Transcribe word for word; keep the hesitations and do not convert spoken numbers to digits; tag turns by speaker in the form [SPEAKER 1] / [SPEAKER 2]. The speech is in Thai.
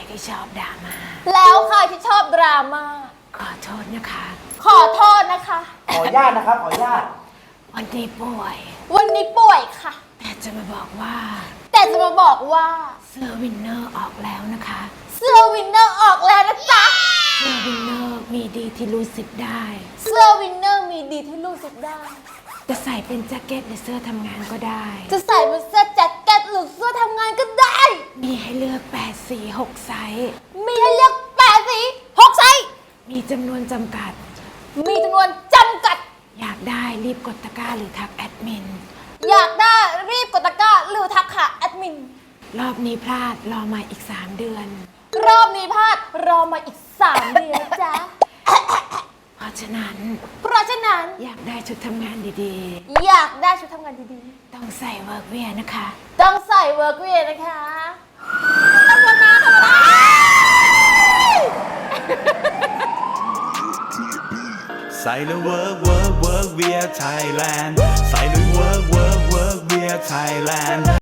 [SPEAKER 1] ที่ชอบดราม่า
[SPEAKER 2] แล้วใครที่ชอบดราม่า
[SPEAKER 1] ขอโทษนะคะ
[SPEAKER 2] ขอโทษนะคะ
[SPEAKER 3] ขออนุญาตนะครับขออนุญาต
[SPEAKER 1] วันนี้ป่วย
[SPEAKER 2] วันนี้ป่วยค่ะ
[SPEAKER 1] แต่จะมาบอกว่า
[SPEAKER 2] แต่จะมาบอกว่า
[SPEAKER 1] เสื้อวินเนอร์ออกแล้วนะคะ
[SPEAKER 2] เสื้อวินเนอร์ออกแล้วนะจ๊ะ
[SPEAKER 1] เสื้อวินเนอร์มีดีที่รู้สึกได้
[SPEAKER 2] เสื้อวินเนอร์มีดีที่รู้สึกได้
[SPEAKER 1] จะใส่เป็นแจ็คเก็ตหรือเสื้อทำงานก็ได้
[SPEAKER 2] จะใส่เป็นเสื้อแจ็คเก็ตหรือเสื้อทำงานก็ได้
[SPEAKER 1] มีให้เลือกแปดสีหกไซส์
[SPEAKER 2] มีให้เลือกแปดสีหกไซส์
[SPEAKER 1] มีจำนวนจำกัด
[SPEAKER 2] มีจำนวนจำกัด
[SPEAKER 1] อยากได้รีบกดตะกร้าหรือทักแอดมิน
[SPEAKER 2] อยากได้รีบกดตะกร้าหรือทักหาแอดมิน
[SPEAKER 1] รอบนี้พลาดรอมาอีกสามเดือน
[SPEAKER 2] รอบนี้พลาดรอมาอีกสามเดือนจ้ะ
[SPEAKER 1] เพราะฉะนั้น
[SPEAKER 2] เพราะฉะนั้น
[SPEAKER 1] อยากได้ชุดทำงานดี
[SPEAKER 2] ๆอยากได้ชุดทำงานดี
[SPEAKER 1] ๆต้องใส่เวิร์กเวียนะคะ
[SPEAKER 2] ต้องใส่เวิร์กเวียนะคะทำมาทำมา
[SPEAKER 4] ใส่แล้วเวิร์กเวิร์กเวิร์กเวียไทยแลนด์ใส่แล้วเวิร์กเวิร์กเวิร์กเวียไทยแลนด์